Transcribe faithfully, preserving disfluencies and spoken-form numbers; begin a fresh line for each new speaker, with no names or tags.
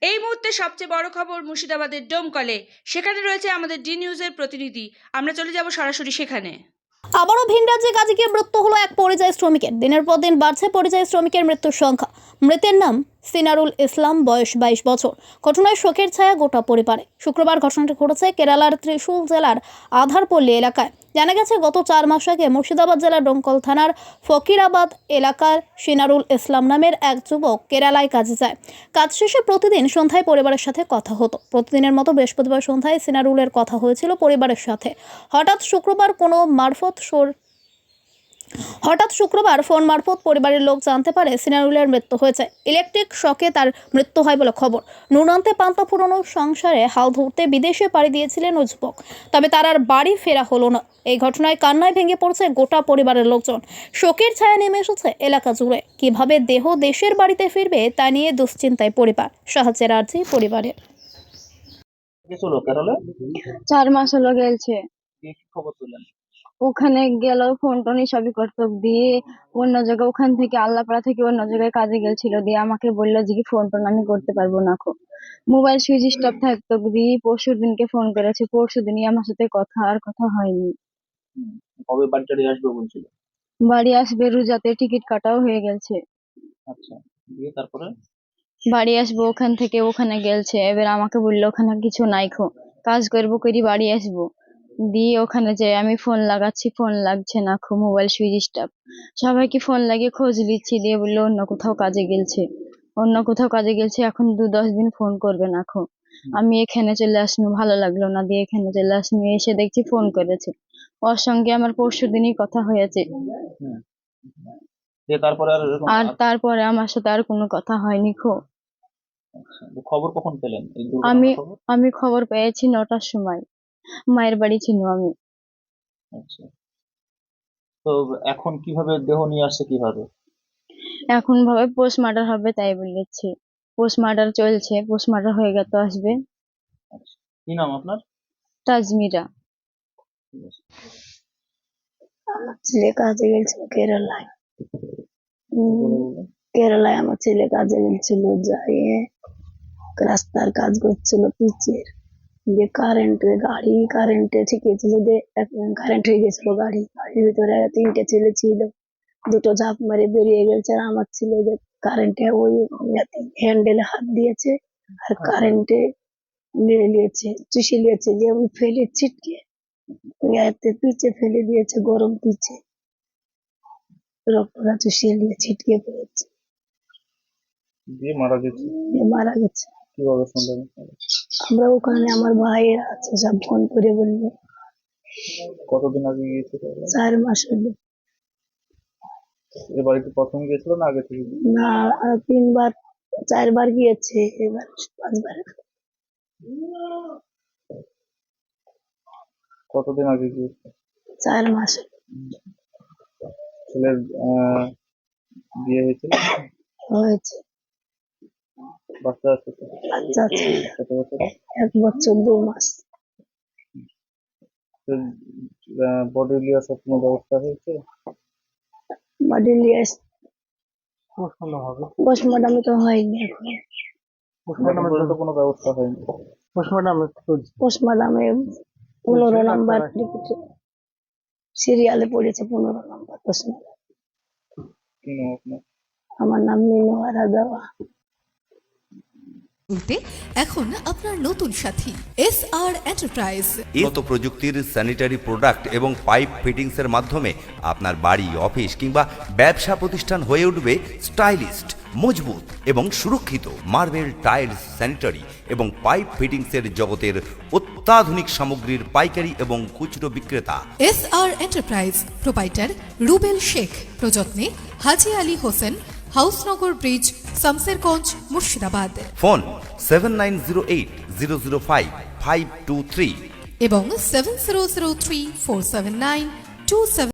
এই মুহূর্তে সবচেয়ে বড় খবর মুর্শিদাবাদের ডোমকলে। সেখানে রয়েছে আমাদের ডি নিউজের প্রতিনিধি। আমরা চলে যাব সরাসরি সেখানে।
আবারও ভিন রাজ্যে কাজে গিয়ে মৃত্যু হলো এক পরিযায়ী শ্রমিকের। দিনের পর দিন বাড়ছে পরিযায়ী শ্রমিকের মৃত্যুর সংখ্যা। মৃতের নাম সিনারুল ইসলাম, বয়স বাইশ বছর। ঘটনায় শোকের ছায়া গোটা পরিবারে। শুক্রবার ঘটনাটি ঘটেছে কেরালার ত্রিশূল জেলার আধারপল্লী এলাকায়। জানা গেছে, গত চার মাস আগে মুর্শিদাবাদ জেলার ডোমকল থানার ফকিরাবাদ এলাকার সিনারুল ইসলাম নামের এক যুবক কেরালায় কাজে যায়। কাজ শেষে প্রতিদিন সন্ধ্যায় পরিবারের সাথে কথা হতো। প্রতিদিনের মতো বৃহস্পতিবার সন্ধ্যায় সিনারুলের কথা হয়েছিল পরিবারের সাথে। হঠাৎ শুক্রবার কোনো মারফত সোর হঠাৎ শুক্রবার ফোন মারফত পরিবারের লোক জানতে পারে সিনারুলের মৃত্যু হয়েছে। ইলেকট্রিক শকে তার মৃত্যু হয় বলে খবর। নুনান্তে পান্তা ফুরানো সংসারে হাল ধরতে বিদেশে পাড়ি দিয়েছিলেন ওই যুবক, তবে তার আর বাড়ি ফেরা হলো না। এই ঘটনায় কান্নায় ভেঙে পড়ছে গোটা পরিবারের লোকজন। শোকের ছায়া নেমে এসেছে এলাকা জুড়ে। কিভাবে দেহ দেশের বাড়িতে ফিরবে তা নিয়ে দুশ্চিন্তায় পরিবার। সাহায্যের আর্জি পরিবারের।
চার মাস হলো গেছে।
খবর তুলেন
ওখানে গেল, ফোন টোন সবই করতো, দিয়ে অন্য জায়গায় ওখান থেকে আল্লাহপাড়া থেকে অন্য জায়গায় কাজে গেছিল, দিয়ে আমাকে বললো যে কি ফোন টোন আমি করতে পারবো না। মোবাইল সুইচ স্টপ থাকতো, দিয়ে পরশু দিনকে ফোন করেছে, পরশু দিনই আমার সাথে কথা আর কথা হয়নি।
কবে বাড়িটা আসবে বলছিল?
বাড়ি আসবে রোজাতে, টিকিট কাটাও হয়ে গেছে।
আচ্ছা, দিয়ে তারপরে
বাড়ি আসবো ওখান থেকে, ওখানে গেলছে। এবার আমাকে বললো ওখানে কিছু নাই, খো কাজ করবো করি বাড়ি আসবো। দিয়ে ওখানে যে আমি ফোন লাগাচ্ছি, ফোন লাগছে না, খো মোবাইল সুইচ স্টপ। সবাইকে ফোন লাগিয়ে খোঁজ নিচ্ছি, দিয়ে বললো অন্য কোথাও কাজে গেলছে, অন্য কোথাও কাজে গেলছে, এখন দু দশ দিন ফোন করবে না। খো আমি এখানে চলে আসনু, ভালো লাগলো না, দিয়ে এখানে চলে আসনু। এসে দেখছি ফোন করেছে। ওর সঙ্গে আমার পরশু দিনই কথা হয়েছে।
তারপরে
আর তারপরে আমার সাথে আর কোনো কথা হয়নি। খো
খবর কখন পেলেন?
আমি আমি খবর পেয়েছি নটার সময়। মায়ের বাড়ি ছিল আমি।
আচ্ছা, তো এখন কিভাবে দেহ নিয়ে আসছে? কিভাবে
এখন ভাবে পোস্টমার্টার হবে তাই বলেছে। পোস্টমার্টার চলছে, পোস্টমার্টার হয়ে গেলে তো আসবে।
কি নাম আপনার?
তাজমিরা।
আমার ছেলে কাজে গেছিল কেরালায়। কেরালায় আমার ছেলে কাজে গেছিল, যাই রাস্তার কাজ করছিল পিচের, যে কারেন্টে গাড়ি কারেন্টে ঠিকিয়েছিল, যে কারেন্ট হয়ে গেছিল গাড়ি। গাড়ির ভিতরে তিনটে ছেলে ছিল, দুটো ঝাঁপ মারে বেরিয়ে গেছে। আর আমার ছেলে যে কারেন্টে ওই হ্যান্ডেলে হাত দিয়েছে আর কারেন্টে মেরে নিয়েছে, চুষে নিয়েছে, দিয়ে ওই ফেলে ছিটকে পিচে ফেলে দিয়েছে, গরম পিচে রক্তটা চুষিয়ে নিয়ে ছিটকে পড়েছে,
দিয়ে মারা গেছে।
মারা গেছে।
কিভাবে শুনলেন?
আমরা ওখানে আমার ভাইয়েরা আছে, সব ফোন করে বললো।
কতদিন আগে গিয়েছিল?
চার মাস হলো।
এ বাড়িতে প্রথম গিয়েছিল না আগে থেকে?
না, তিনবার চারবার গিয়েছে, এবার পাঁচবার।
কতদিন আগে গিয়েছে?
চার মাস
ছেলের বিয়ে হয়েছিল?
হয়েছে,
বাচ্চা আছে?
বাচ্চা আছে,
কত বছর?
এক বছর দু মাস।
বডি লিয়ার সব কোনো ব্যবস্থা হয়েছে?
বডি লিয়ার পোস্টমর্টম তো হয়নি এখন।
পোস্টমর্টমের তো কোনো ব্যবস্থা হয়নি।
পোস্টমর্টমে পনেরো নাম্বার সিরিয়ালে পড়েছে, পনেরো নাম্বার পোস্টমর্টম।
কি নাম আপনার?
আমার নাম মিনোয়ারা দেওয়া।
এখন আপনার নতুন সাথী এস আর এন্টারপ্রাইজ।
উন্নত প্রযুক্তির স্যানিটারি প্রোডাক্ট এবং পাইপ ফিটিংসের মাধ্যমে আপনার বাড়ি, অফিস কিংবা ব্যবসা প্রতিষ্ঠান হয়ে উঠবে স্টাইলিস্ট, মজবুত এবং সুরক্ষিত। মার্বেল, টাইলস, স্যানিটারি এবং পাইপ ফিটিংসের জগতের অত্যাধুনিক সামগ্রীর পাইকারি এবং খুচরো বিক্রেতা
S R enterprise. Proprietor Rubel Sheikh. প্রযত্নে Haji Ali Hossain, Hausnagar bridge, Shamsherganj, Murshidabad.
Phone seven nine zero eight zero zero five five two three
এবং seven zero zero three four seven nine two seven.